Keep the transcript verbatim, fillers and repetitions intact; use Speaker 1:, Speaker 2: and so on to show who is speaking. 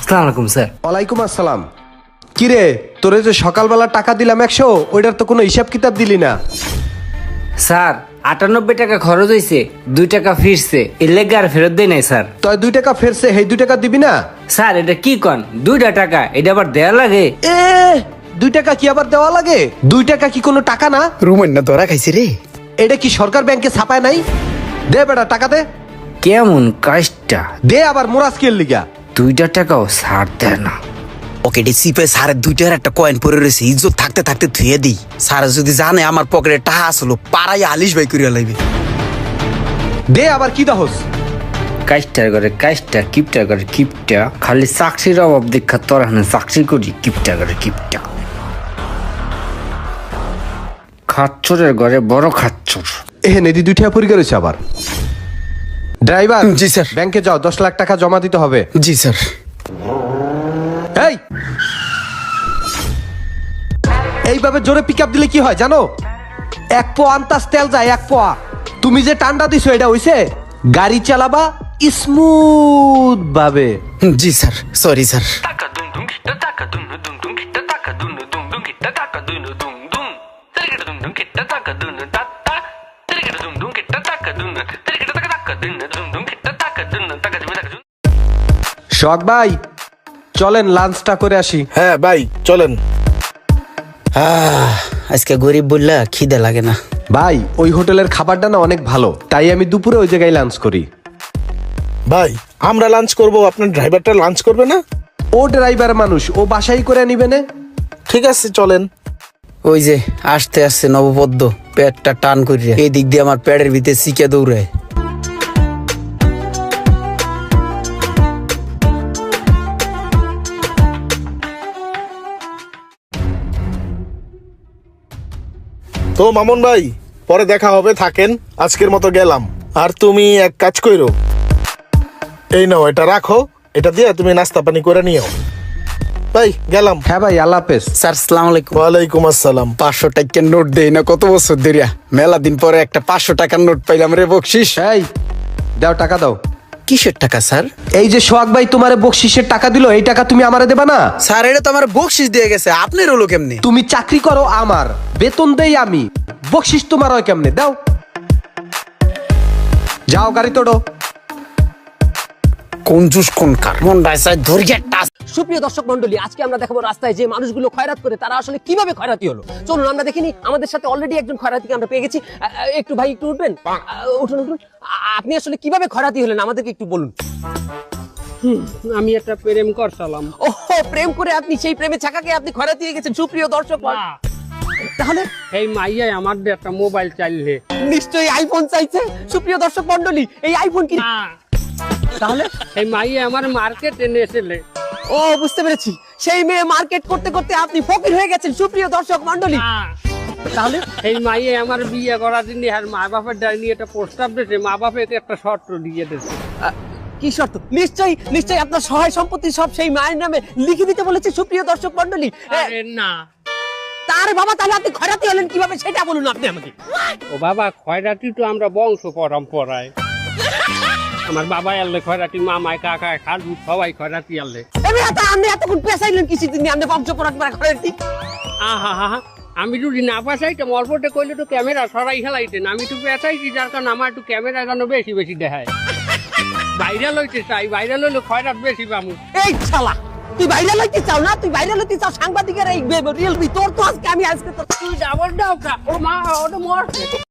Speaker 1: আসসালামু আলাইকুম স্যার।
Speaker 2: ওয়ালাইকুম আসসালাম। কিরে, তোরে যে সকালবেলা টাকা দিলাম একশো, ওইটার তো কোনো হিসাব কিতাব দিলি না।
Speaker 1: স্যার আটানব্বই টাকা খরচ হয়েছে, দুই টাকা ফিরছে, এর লেগে আর ফেরত দেয় নাই স্যার।
Speaker 2: তুই দুই টাকা ফেরছে, এই দুই টাকা দিবি না?
Speaker 1: স্যার এটা কি কন, দুইটা টাকা, এটা আবার দেয়া লাগে?
Speaker 2: এ দুই টাকা কি আবার দেওয়া লাগে? দুই টাকা কি কোনো টাকা না?
Speaker 3: রুমেন না ধরা খাইছি রে।
Speaker 2: এটা কি সরকার ব্যাংকে ছাপায় নাই? দে বেটা টাকা দে।
Speaker 1: কেমন কাজটা?
Speaker 2: দে আবার মোরাজকের লিগা।
Speaker 1: দুইটা টাকাও ছাড় দেয় না।
Speaker 3: পকেটে সিপে সারের দুইটার একটা কয়েন পরে রয়েছে, ইজ্জত থাকতে থাকতে ধুয়ে দিই। সারা যদি জানে আমার পকেটে টাকা আসলো, পাড়াই আলিশ ভাই করিয়া লাইবে।
Speaker 2: দে আবার কি দহস?
Speaker 1: কাজটার করে কাজটা, কিপটা করে কিপটা, খালি চাকরির অভাব দেখা তোর হানে চাকরি করি, কিপটা করে কিপটা। খাচ্চরের ঘরে বড় খাচ্চর।
Speaker 2: এ নেদি দুই টাকা পরিষ্কার হয়েছে আবার। ড্রাইভার,
Speaker 3: জি স্যার।
Speaker 2: ব্যাংকে যাও, দশ লাখ টাকা জমা দিতে হবে।
Speaker 3: জি স্যার।
Speaker 2: এই এইভাবে জোরে পিক আপ দিলে কি হয় জানো? এক পোয়া আন্তাজ তেল যায়, এক পোয়া। তুমি যে টান্ডা দিছো এটা হইছে? গাড়ি চালাবা স্মুথ ভাবে।
Speaker 3: জি sir, sorry sir.
Speaker 4: Taka dum dum kita taka dum dum dum kita taka dum dum dum kita taka dum dum dum. Terikita dum dum kita taka dum ta ta. Terikita dum dum kita taka dum. Terikita taka taka dum dum dum kita taka dum taka dum taka dum.
Speaker 2: শখ ভাই, চলেন লাঞ্চটা করে আসি।
Speaker 5: হ্যাঁ ভাই চলেন।
Speaker 3: আহ, আজকে গরিব বললা খিদে লাগে না।
Speaker 2: ভাই ওই হোটেলের খাবারটা না অনেক ভালো, তাই আমি দুপুরে ওই জায়গায় লাঞ্চ করি।
Speaker 5: ভাই আমরা লাঞ্চ করব, আপনার ড্রাইভারটা লাঞ্চ করবে না?
Speaker 2: ও ড্রাইভার মানুষ, ও বাসাই করে নিবে না।
Speaker 5: ঠিক আছে চলেন।
Speaker 3: ওই যে আসতে আসতে নবপদ্ম পেটটা টান করিয়া এই দিক দিয়ে আমার পেটের ভিতরে শিখে দৌড়ায়।
Speaker 5: তো মামুন ভাই, পরে দেখা হবে, থাকেন, আজকের মতো গেলাম। আর তুমি এক কাজ কইরো, এই নাও এটা রাখো, এটা দিয়ে তুমি নাস্তা পানি করে নিও। ভাই গেলাম।
Speaker 2: হ্যাঁ ভাই, আল্লাহ হাফেজ।
Speaker 3: স্যার আসসালামু আলাইকুম।
Speaker 5: ওয়ালাইকুম আসসালাম।
Speaker 3: পাঁচশো টাকার নোট দেই না কত বছর ধরিয়া, মেলা দিন পরে একটা পাঁচশো টাকার নোট পাইলাম রে বকশিস।
Speaker 2: এই দাও টাকা দাও।
Speaker 3: কিসের টাকা স্যার?
Speaker 2: এই যে সোহাগ ভাই তোমারে বকশিসের টাকা দিল, এই টাকা তুমি আমারে দেবা না?
Speaker 3: স্যার এটা তো আমার বকশিস দিয়ে গেছে, আপনার হলো কেমনি?
Speaker 2: তুমি চাকরি করো আমার, বেতন দেই আমি, বকশিস তোমার হয় কেমনে? দাও, যাও গাড়ি তোড়ো।
Speaker 3: কোন জুস কোন কার মন রাইসাই ধরিয়া টাস।
Speaker 6: সুপ্রিয় দর্শক মন্ডলী, আজকে আমরা দেখাবো রাস্তায় যে মানুষগুলো খয়রাত করে তারা আসলে কিভাবে খয়রাতি হলো। চলুন আমরা দেখিনি, আমাদের সাথে অলরেডি একজন খয়রাতিকে আমরা পেয়ে গেছি। আ, আ, একটু ভাই একটু উঠবেন, আ, উঠুন উঠুন। আ- আপনি আসলে কিভাবে খয়রাতি হলেন আমাদেরকে একটু বলুন।
Speaker 7: আমি একটা প্রেম করছিলাম।
Speaker 6: ওহো, প্রেম করে আপনি সেই প্রেমে ছাকাকে আপনি খয়রাতি হয়ে গেছেন। সুপ্রিয় দর্শক, তাহলে
Speaker 7: এই মাইয়াই আমার দিয়ে একটা মোবাইল চাইলে।
Speaker 6: নিশ্চয়ই আইফোন চাইছে। সুপ্রিয় দর্শক মন্ডলী, এই আইফোন কি তাহলে?
Speaker 7: এই মাইয়া আমার মার্কেট এনেছিলে।
Speaker 6: ও বুঝতে পেরেছি, সেই মেয়ে মার্কেট করতে করতে আপনি ফকির হয়ে গেছেন। সুপ্রিয় দর্শক মন্ডলী, তাহলে
Speaker 7: এই মাইয়া আমার বিয়ে করার জন্য আর মা বাপের ডাইনি একটা প্রস্তাব দিয়েছে, মা বাপের একটা শর্ত দিয়ে দিয়েছে।
Speaker 6: আ, কি শর্ত? নিশ্চয়ই নিশ্চয়ই আপনার সহায় সম্পত্তি সব সেই মায়ের নামে লিখে দিতে বলেছে। সুপ্রিয় দর্শক মন্ডলী,
Speaker 7: আরে না,
Speaker 6: তার বাবা, তাহলে আপনি খয়রাতি হলেন কিভাবে সেটা বলুন আপনি আমাকে।
Speaker 7: ও বাবা, খয়রাতি তো আমরা বংশ পরম্পরায়, আমার বাবা আনলে খয়রাতি, মামায় কাকায় খালু সবাই খয়রাতি আনলে।
Speaker 6: এমনি এত আপনি এতক্ষণ পেশাইলেন কিছু দিন আপনি বংশ পরম্পরা খয়রাতি।
Speaker 7: আহা হা হা, আমি যদি না পাশাইতাম অল্পটা কইলে তো ক্যামেরা সরাই খেলাইতেন। আমি একটু পেঁচাইছি, যার কারণে আমার একটু ক্যামেরা যেন বেশি বেশি দেখায়। ভাইরাল হইতে চাই, ভাইরাল হইলে খয়রাত বেশি পাবো।
Speaker 6: এই শালা, তুই বাইরে লইতে চাও না? তুই বাইরে লইতে চাও সাংবাদিকের এই রিয়েল, তোর তো আজকে আমি আজকে তো
Speaker 7: তুই ডাবল ডাউকা, ও মা, ওটা মর।